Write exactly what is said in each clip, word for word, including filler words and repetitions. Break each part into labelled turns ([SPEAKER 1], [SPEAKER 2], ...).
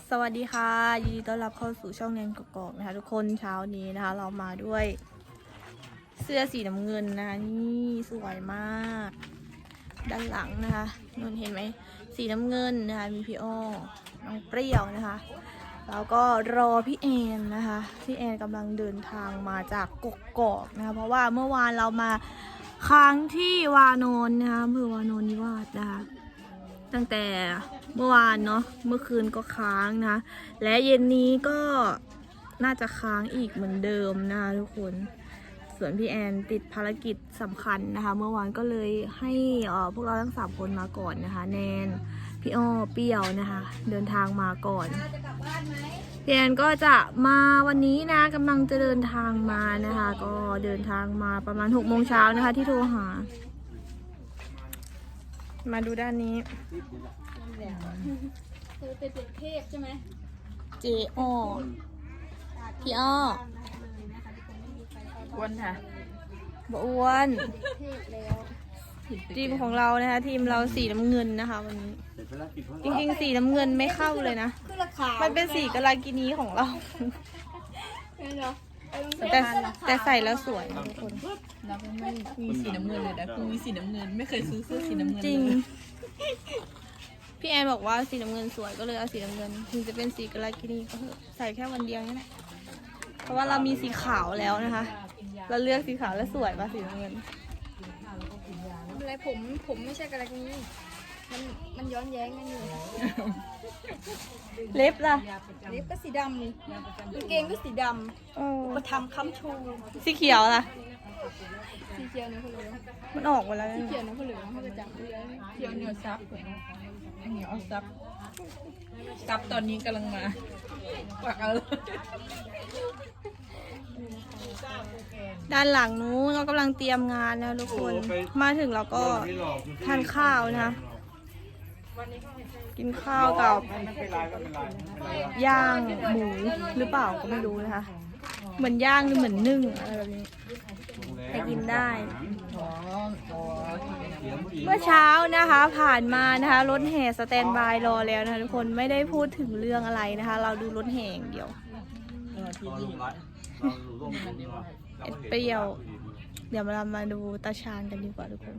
[SPEAKER 1] สวัสดีค่ะยินดีต้อนรับเข้าสู่ช่องแนนกกอกนะคะทุกคนเช้านี้นะคะ เรามาด้วยเสื้อสีน้ำเงินนะคะนี่สวยมากด้านหลังนะคะนนเห็นไหมสีน้ำเงินนะคะมีพี่อ้อน้องเปรี้ยวนะคะแล้วก็รอพี่แอนนะคะพี่แอนกำลังเดินทางมาจากกกอกนะคะเพราะว่าเมื่อวานเรามาค้างที่วานอนนะคะอำเภอวานอนนิวาสนะคะตั้งแต่เมื่อวานเนาะเมื่อคืนก็ค้างนะและเย็นนี้ก็น่าจะค้างอีกเหมือนเดิมนะคะทุกคนส่วนพี่แอนติดภารกิจสำคัญนะคะเมื่อวานก็เลยให้เอ่อพวกเราทั้งสามคนมาก่อนนะคะแนนพี่อ้อเปรี้ยวนะคะเดินทางมาก่อนพี่แอนก็จะมาวันนี้นะกำลังจะเดินทางมานะคะก็เดินทางมาประมาณหกโมงเช้านะคะที่โทรหามาดูด้านนี้
[SPEAKER 2] เธอเป็นเด็กเทพใช่ไหม
[SPEAKER 1] เจอ้อพี่อ้อ
[SPEAKER 3] อ้วนค่ะ
[SPEAKER 1] บอ้วน
[SPEAKER 2] เทพแล้ว
[SPEAKER 1] ทีมของเรานะคะทีมเราสีน้ำเงินนะคะวันนี้จริงๆสีน้ำเงินไม่เข้าเลยนะมันเป็นสีกาลากินีของเราแต่แต่ใส่แล้วสวยนะทุกคน
[SPEAKER 3] เราไม่มีสีน้ำเงินเลยนะกูมีสีน้ำเงินไม่เคยซื้อเสื้อสีน้ำเงิน
[SPEAKER 1] จริงพี่แอนบอกว่าสีน้ำเงินสวยก็เลยเอาสีน้ำเงินถึงจะเป็นสีกาลากินีก็เถอะใส่แค่วันเดียวนี่แหละเพราะว่าเรามีสีขาวแล้วนะคะเราเลือกสีขาวแล้วสวยป่ะสีน้ำเงิน
[SPEAKER 2] อะไรผมผมไม่ใช่กระไรนี้มันมันย้อนแย้งกันอยู่
[SPEAKER 1] เล็บล่ะ
[SPEAKER 2] เล็บก็สีดำนี่กางเกงก็สีดำมาทำค้ำชู
[SPEAKER 1] สีเขียวล่ะ
[SPEAKER 2] สีเขียวเนี่ยเขาเหลือง
[SPEAKER 1] มันออกมาแล้ว
[SPEAKER 2] สีเขียวเนี่ยเขาเหลืองเขาจะจับเลือ
[SPEAKER 3] เขียวเหนียวซับเหนียวซับซับตอนนี้กำลังมาปักเอา
[SPEAKER 1] ด้านหลังนู้นเรากำลังเตรียมงานนะทุกคนมาถึงเราก็ทานข้าวนะคะกินข้าวกับย่างหมูหรือเปล่าก็ไม่รู้นะคะเหมือนย่างหรือเหมือนนึ่งอะไรแบบนี้ไปกินได้เมื่อเช้านะคะผ่านมานะคะรถแห่สแตนบายรอแล้วนะคะทุกคนไม่ได้พูดถึงเรื่องอะไรนะคะเราดูรถแห่อย่างเดียวเอ็ดเปรี้ยวเดี๋ยวเรามาดูตาชานกันดีกว่าทุกคน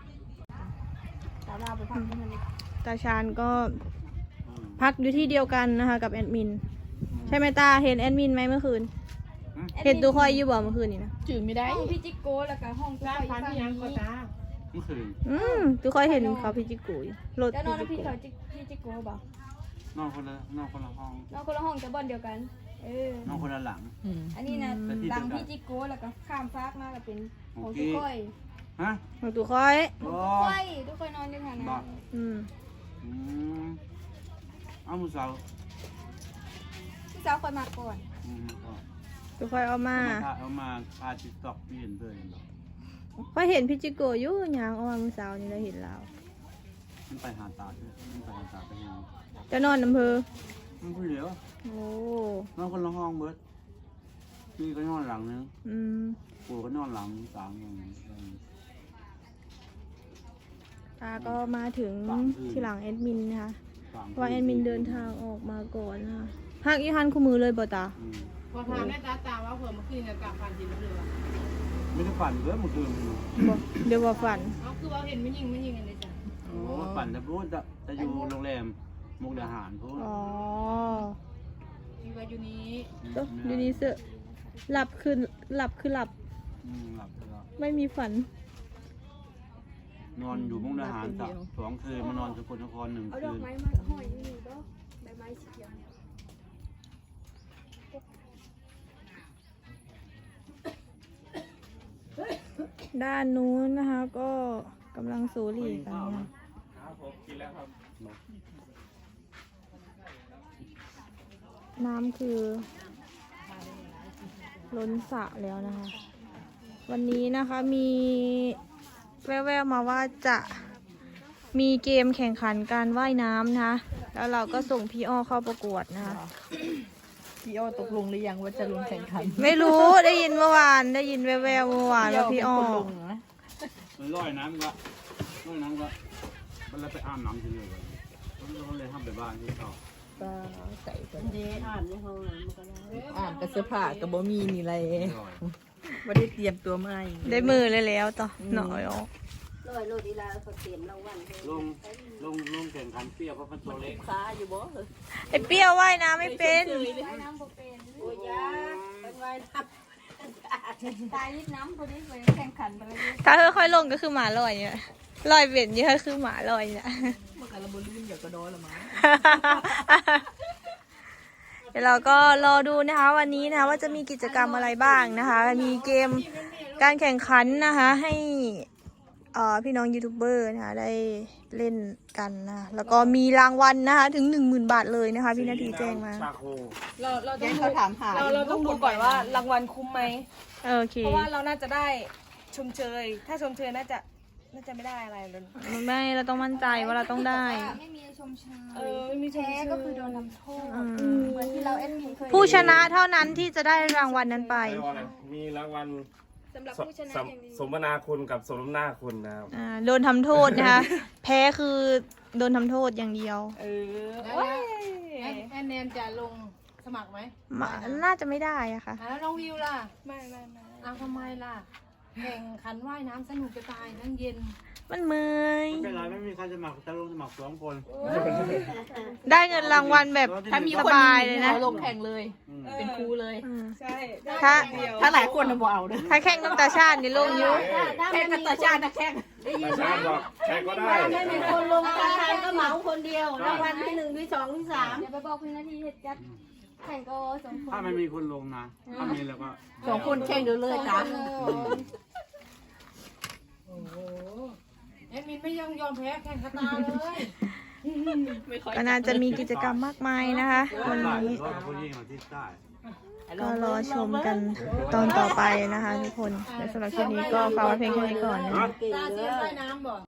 [SPEAKER 1] ตาชานก็พักอยู่ที่เดียวกันนะคะกับแอดมินใช่ไหมตาเห็นแอดมินไหมเมื่อคืนเห็นตัวคอยอยู่บ่เมื่อคืนนี่นะ
[SPEAKER 3] จืดไม่ได้
[SPEAKER 2] ห้องพี่จิโก้แล้วก็ห้องตัวคอยฟังนี้
[SPEAKER 4] เมื่อคืน
[SPEAKER 1] อืมตัวคอยเห็นเขาพี่จิกุยรถ
[SPEAKER 2] แล้วนอนพี่เขาพี่จิโก้บ่
[SPEAKER 4] นอนคนละนอนคนละห้อง
[SPEAKER 2] นอนคนละห้องแต่บ้านเดียวกันเออน
[SPEAKER 4] อนคนละหลัง
[SPEAKER 2] อันนี้นะหลังพี่จิโก้แล้วก็ข้ามฟากมาก็เป็นของตัวคอย
[SPEAKER 4] ฮะ
[SPEAKER 1] ของตัวคอย
[SPEAKER 2] ตัวคอยตัวคอยนอนด้วยกันนะ
[SPEAKER 1] อืม
[SPEAKER 4] อืมเอามือสาว
[SPEAKER 2] พี่สาวคอยมาก่อน
[SPEAKER 1] ตัวคอยเอามา
[SPEAKER 4] เอามาพาติ๊กต็อกเปลี่ยนเลย
[SPEAKER 1] พอเห็นพี่จิโกอยู่ยางเอามาเมื่อเช้านี้เราเห็นแล้ว
[SPEAKER 4] มันไปหาตาด้วยมันไปหาตาไปยัง
[SPEAKER 1] จะนอนอำเภอ
[SPEAKER 4] มันคนเดียว
[SPEAKER 1] โอ้
[SPEAKER 4] นอนคนละห้องเบิร์ดพี่ก็นอนหลังนึง
[SPEAKER 1] อืม
[SPEAKER 4] ปู่ก็นอนหลังสามอย่างนี้
[SPEAKER 1] ตาก็มาถึงที่หลังแอดมินนะคะว่าแอดมินเดินทางออกมาก่อนนะคะพักอีฮันคู่มือเลยบ่ตา
[SPEAKER 3] พอทานแม่ตาตาว่าเผื่อเมื่อคืนจะกลับฝันจริงหรือเปล่า
[SPEAKER 4] ไม่ได้ฝันเลยเมื่อคืน
[SPEAKER 1] เดี๋ยวว่าฝัน
[SPEAKER 2] เขาคือว่าเห็นไม่ยิงไม่ยิงกันเลยจ้ะ
[SPEAKER 4] โอ้ฝันแต่พูดจะจะอยู่โรงแรมมุกดาหารพูด
[SPEAKER 1] อ๋อ
[SPEAKER 3] อยู่ว่าอยู่นี้
[SPEAKER 1] อยู่นี้เสือหลับคือหลับคือหลับ
[SPEAKER 4] หลับแล้ว
[SPEAKER 1] ไม่มีฝัน
[SPEAKER 4] นอนอยู่มุกดาหารสักสองคืนมานอนสกลนครหนึ่งคืน
[SPEAKER 2] เอาดอกไม้มาห้อยนี่ก็ใบไม้สีเขียว
[SPEAKER 1] ด้านนู้นนะคะก็กำลังสูหรี่กันนะน้ำคือล้นสระแล้วนะคะวันนี้นะคะมีแว่วๆมาว่าจะมีเกมแข่งขันการว่ายน้ำนะคะแล้วเราก็ส่งพี่อ้อเข้าประกวดนะคะ
[SPEAKER 3] พี่อ้อตกลงหรือยังว่าจะลงแข่งขัน
[SPEAKER 1] ไม่รู้ได้ยินเมื่อวานได้ยินแว่วๆเมื่อวานว่าพี่อ้อ
[SPEAKER 4] มันลอยน้ำก็ลอยน้ำก็มันเลยไปอาบน้ำที่นี่เลยมันเลยทำแบบบ้านที่เขา
[SPEAKER 3] ก็ใส่กัน
[SPEAKER 5] เดอ่านในห้องน้ำมันก็ได้
[SPEAKER 3] อ่านกับเสื้อผ้ากับบ่มีนี่เลยไม่ได้เตรียมตัวมา
[SPEAKER 1] ได้มือเลยแล้วต่อหน่อยอ๋อ
[SPEAKER 5] ลอยโลดีลาเขาเตรียมรางวัลให้
[SPEAKER 4] ลงลงลงแข่งขันเปรี้ยวเพราะมันตัวเล็ก
[SPEAKER 5] ค้าอยู่บ่เหรอ
[SPEAKER 1] ไอเปรี้ยวว่ายน้ำไม่เป็น
[SPEAKER 2] ว่ายน้ำบ่เป็น
[SPEAKER 5] โอ้ยยาเป็นไว้ท
[SPEAKER 2] ตายยิบน้ำพอดีไปแข่งขันไปเลย
[SPEAKER 1] ถ้าค่อยๆลงก็คือหมาลอยเนี่ยลอยเบ็ดเยอะคือหมาลอยเนี่ย
[SPEAKER 3] เมื่อกี้เราบลื่นเดี๋ยวก็โดนละมั้ง
[SPEAKER 1] เดี๋ยวเราก็รอดูนะคะวันนี้นะคะว่าจะมีกิจกรรมอะไรบ้างนะคะ มีเกมการแข่งขันนะคะให้เอ่อพี่น้องยูทูบเบอร์นะคะได้เล่นกันนะแล้วก็มีรางวัลนะคะถึงหนึ่งหมื่นบาทเลยนะคะพี่นาทีแจ้งมา
[SPEAKER 4] ชาโค
[SPEAKER 3] เราเราต้องเขาถามหาเราเราต้องดูก่อนว่ารางวัลคุ้มไหม
[SPEAKER 1] โอเค
[SPEAKER 3] เพราะว่าเราน่าจะได้ชมเชย ถ้าชมเชยน่าจะน่าจะไม่ได้อะไรเลย
[SPEAKER 1] ไม่เราต้องมั่นใจว่าเราต้องได้
[SPEAKER 2] ไม่มีชมเชย
[SPEAKER 3] เออไม่มีชม
[SPEAKER 2] แพ้
[SPEAKER 3] เชย
[SPEAKER 2] ก็คือโดนทำโทษ
[SPEAKER 1] อืม
[SPEAKER 2] เหมือนที่เราแอดมินเคย
[SPEAKER 1] ผู้ชนะเท่านั้นที่จะได้รางวัลนั้นไป
[SPEAKER 6] มีรางวัล
[SPEAKER 2] สำหรับผู้ชนะ
[SPEAKER 6] ส
[SPEAKER 2] อย่างดี
[SPEAKER 6] สมนาคุณกับสมน้ำหน้าคุณนะครับ
[SPEAKER 1] อ่าโดนทำโทษนะคะ แพ้คือโดนทำโทษอย่างเดียว
[SPEAKER 3] เออโอ้ย
[SPEAKER 5] แอนแนนจะลงสมัครไหม
[SPEAKER 1] มาน่าจะไม่ได้อะค่ะ
[SPEAKER 5] แล้วน้องวิวล่ะ
[SPEAKER 3] ไม่ไม่ไม่
[SPEAKER 5] อ้าวทำไมล่ะ แข่งขันว่ายน้ำสนุกจะตายทั้งเย็น
[SPEAKER 1] มันเมื่อย
[SPEAKER 4] ไม่เป็นไรไม่มีใครสมัครจะลงสมัครสองคน
[SPEAKER 1] ได้เงินรางวัลแบบ
[SPEAKER 4] ถ้ามี
[SPEAKER 1] สบายเลยนะ
[SPEAKER 3] เราลงแข่งเลย
[SPEAKER 4] อืม
[SPEAKER 3] เป็นครูเลย
[SPEAKER 1] อืม
[SPEAKER 3] ใช่
[SPEAKER 1] ถ้า
[SPEAKER 3] ถ้าหลายคนเราบอกเอาเด้อ
[SPEAKER 1] ถ้าแข่งน้ำตาชาตินี่ลงอยุ
[SPEAKER 3] แข่งกับตาชาตินะแข่ง
[SPEAKER 5] ได้ยิน
[SPEAKER 6] แต่
[SPEAKER 5] ไหม
[SPEAKER 6] ชาติบอกใครก็ได้
[SPEAKER 5] ถ้าไม่มีคนลงตาชานก็เหมาคนเดียว รางวัลที่หนึ่งที่สองที่สาม
[SPEAKER 2] เดี๋ยวไปบอกพี่นาทีเหตุจัดแข่งก็สองคน
[SPEAKER 4] ถ้าไม่มีคนลงนะ ถ้ามีแล้วก็
[SPEAKER 3] สองคนแข่งเดี๋ยวเลยจ้า
[SPEAKER 5] แอดมินไม่ยอมยอมแพ้แข่งคาตาเลย
[SPEAKER 1] ก็น่าจะมีกิจกรรมมากมายนะคะวัน
[SPEAKER 4] ได้
[SPEAKER 1] นี้
[SPEAKER 4] รถผู้หญิงมาที่ใต้
[SPEAKER 1] ก็รอชมกันตอนต่อไปนะคะทุกคนและสำหรับคลิปนี้ก็ฝากไว้เพียงแค่นี้ก่อนนะ
[SPEAKER 5] ตาเสียใต้น้ำบ่